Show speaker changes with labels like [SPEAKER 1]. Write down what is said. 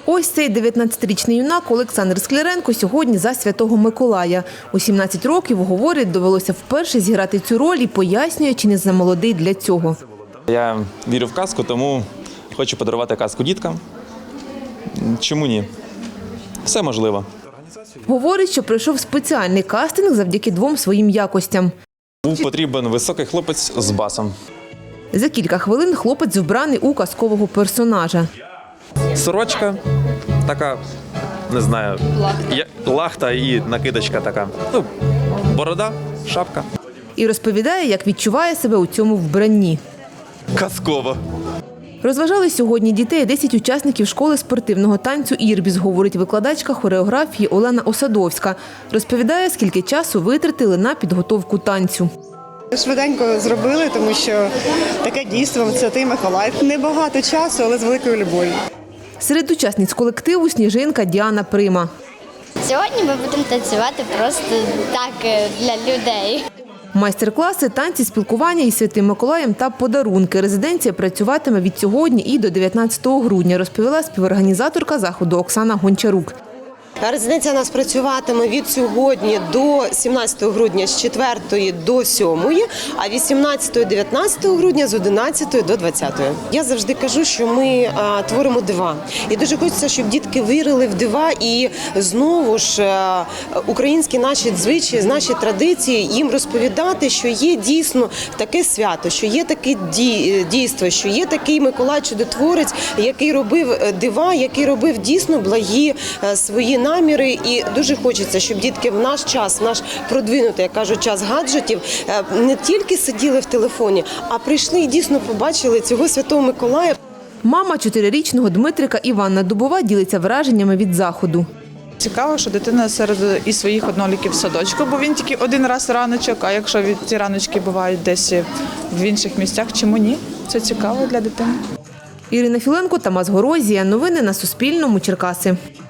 [SPEAKER 1] Ось цей 19-річний юнак Олександр Скляренко сьогодні за Святого Миколая. У 17 років, говорить, довелося вперше зіграти цю роль і пояснює, чи не замолодий для цього.
[SPEAKER 2] Я вірю в казку, тому хочу подарувати казку діткам. Чому ні? Все можливо.
[SPEAKER 1] Говорить, що пройшов спеціальний кастинг завдяки двом своїм якостям.
[SPEAKER 2] Був потрібен високий хлопець з басом.
[SPEAKER 1] За кілька хвилин хлопець вбраний у казкового персонажа.
[SPEAKER 2] Сорочка така, не знаю, лахта і накидочка така. Борода, шапка.
[SPEAKER 1] І розповідає, як відчуває себе у цьому вбранні.
[SPEAKER 2] Казково.
[SPEAKER 1] Розважали сьогодні дітей 10 учасників школи спортивного танцю «Ірбіс», говорить викладачка хореографії Олена Осадовська. Розповідає, скільки часу витратили на підготовку танцю.
[SPEAKER 3] Швиденько зробили, тому що таке дійство – Святий Миколай. Небагато часу, але з великою любов'ю.
[SPEAKER 1] Серед учасниць колективу сніжинка Діана Прима.
[SPEAKER 4] Сьогодні ми будемо танцювати просто так для людей.
[SPEAKER 1] Майстер-класи, танці, спілкування із Святим Миколаєм та подарунки. Резиденція працюватиме від сьогодні і до 19 грудня, розповіла співорганізаторка заходу Оксана Гончарук.
[SPEAKER 5] Резиденція у нас працюватиме від сьогодні до 17 грудня з 4 до 7, а 18-19 грудня з 11 до 20. Я завжди кажу, що ми творимо дива. І дуже хочеться, щоб дітки вірили в дива і знову ж українські наші звичаї, наші традиції їм розповідати, що є дійсно таке свято, що є таке дійство, що є такий Миколай Чудотворець, який робив дива, який робив дійсно благі свої наміри, і дуже хочеться, щоб дітки в наш час, в наш продвинутий, як кажуть, час гаджетів, не тільки сиділи в телефоні, а прийшли і дійсно побачили цього Святого Миколая.
[SPEAKER 1] Мама 4-річного Дмитрика Іванна Дубова ділиться враженнями від заходу.
[SPEAKER 6] Цікаво, що дитина серед і своїх однолітків в садочку, бо він тільки один раз раночок, а якщо ці раночки бувають десь в інших місцях, чому ні? Це цікаво для дитини.
[SPEAKER 1] Ірина Філенко, Тамас Горозія. Новини на Суспільному. Черкаси.